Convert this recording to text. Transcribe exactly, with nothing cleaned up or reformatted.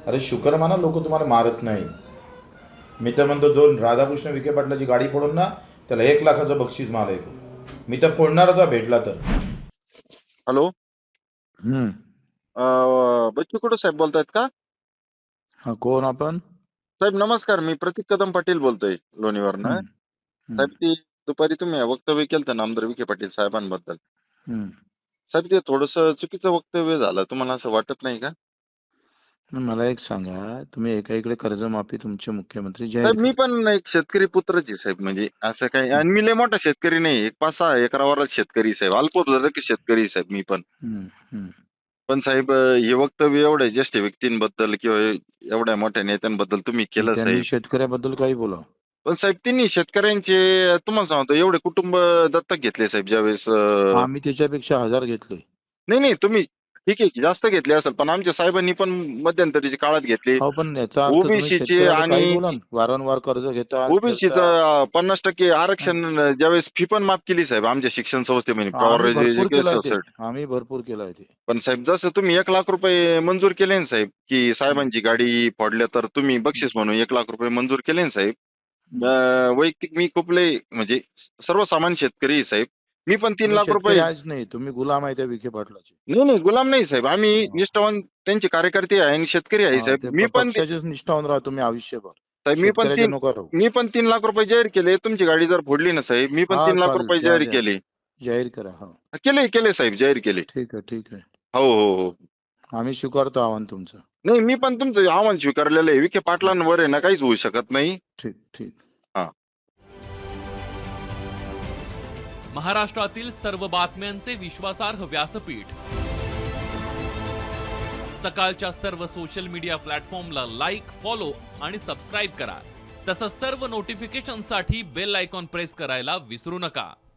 अरे शुकर माना, लोक तुम्हाला मारत नाही. मी तर म्हणतो, जो राधाकृष्ण विखे पाटलाची गाडी पडून ना, त्याला एक लाखाचं बक्षीस मला ऐकू. मी तर फोडणारच आहे भेटला तर. हॅलो. हम्म. अ, बच्चू कडू साहेब बोलतायत का? हा, कोण आपण? साहेब नमस्कार, मी प्रतीक कदम पाटील बोलतोय लोणीवरनं. हम्म. हम्म. साहेब ती दुपारी तुम्ही वक्तव्य केलं नामदार विखे पाटील साहेबांबद्दल. हम्म. साहेब ते थोडंसं चुकीचं वक्तव्य झालं, तुम्हाला असं वाटत नाही का? मग मला एक सांगा, तुम्ही एका इकडे कर्जमाफी तुमचे मुख्यमंत्री जाहीर साहेब मी केली. पण एक शेतकरी पुत्रच आहे साहेब, म्हणजे असं काही, आणि मी लय मोठा शेतकरी नाही, एक पाच सहा एकरावरच शेतकरी साहेब, अल्पभूधारक शेतकरी आहे साहेब मी पण. हम्म. हम्म. पण साहेब हे वक्तव्य एवढ्या ज्येष्ठ व्यक्तींबद्दल किंवा एवढ्या मोठ्या नेत्यांबद्दल तुम्ही केलं त्यांनी साहेब. शेतकऱ्याबद्दल काही बोला. पण साहेब त्यांनी शेतकऱ्यांचे, तुम्हाला सांगतो, एवढे कुटुंब दत्तक घेतले साहेब ज्यावेळेस. अं, आम्ही त्याच्यापेक्षा हजार घेतले. नाही नाही तुम्ही ठीक आहे की जास्त घेतले असेल, पण आमच्या साहेबांनी पण मध्यंतरीच्या काळात घेतले. हो, पण याचा अर्थ तुम्ही ओबीसीचे शेतकऱ्याला काही आणि बोला ना. वारंवार कर्ज घेता ओबीसीचं पन्नास टक्के आरक्षण ज्यावेळेस फी पण माफ केली साहेब आमच्या शिक्षण संस्थेमध्ये पॉवर आम्ही भरपूर केलाय ते. सोसायटी. आम्ही भरपूर केलाय ते. पण साहेब जसं तुम्ही एक लाख रुपये मंजूर केले ना साहेब, की साहेबांची गाडी फोडल्या तर तुम्ही बक्षीस म्हणून एक लाख रुपये मंजूर केले ना साहेब. अं, वैयक्तिक मी खूप लय म्हणजे सर्वसामान्य शेतकरी आहे साहेब. मी पण तीन तुम्ही लाख शेतकरी रुपये आहेच नाही, तुम्ही गुलाम आहे त्या विखे पाटलाचे. नाही नाही गुलाम नाही साहेब, आम्ही हा. निष्ठावान त्यांचे कार्यकर्ते आहे आणि शेतकरी आहे हा, साहेब. ते मी प- पण ते- पक्षाचेच निष्ठावून राहा तुम्ही आयुष्यभर. साहेब मी पण शेतकऱ्याचे तीन नका राहू. मी पण तीन लाख रुपये जाहीर केले. तुमची गाडी जर फोडली ना साहेब, मी पण हा, तीन लाख चालेल. रुपये द्या, जाहीर द्या. केले. जाहीर करा. हा, केले केले साहेब, जाहीर केले. ठीक आहे, ठीक आहे. हो हो हो. आम्ही स्वीकारतो आव्हान तुमचं. नाही मी पण तुमचं आव्हान स्वीकारलेलं आहे. विखे पाटलांवर आहे ना काहीच होऊ शकत नाही. ठीक, ठीक. महाराष्ट्रातील सर्व बातम्यांचे विश्वासार्ह व्यासपीठ, सकाळच्या सर्व सोशल मीडिया प्लॅटफॉर्मला लाईक, फॉलो आणि सबस्क्राईब करा. तसंच सर्व नोटिफिकेशनसाठी बेल आयकॉन प्रेस करायला विसरू नका.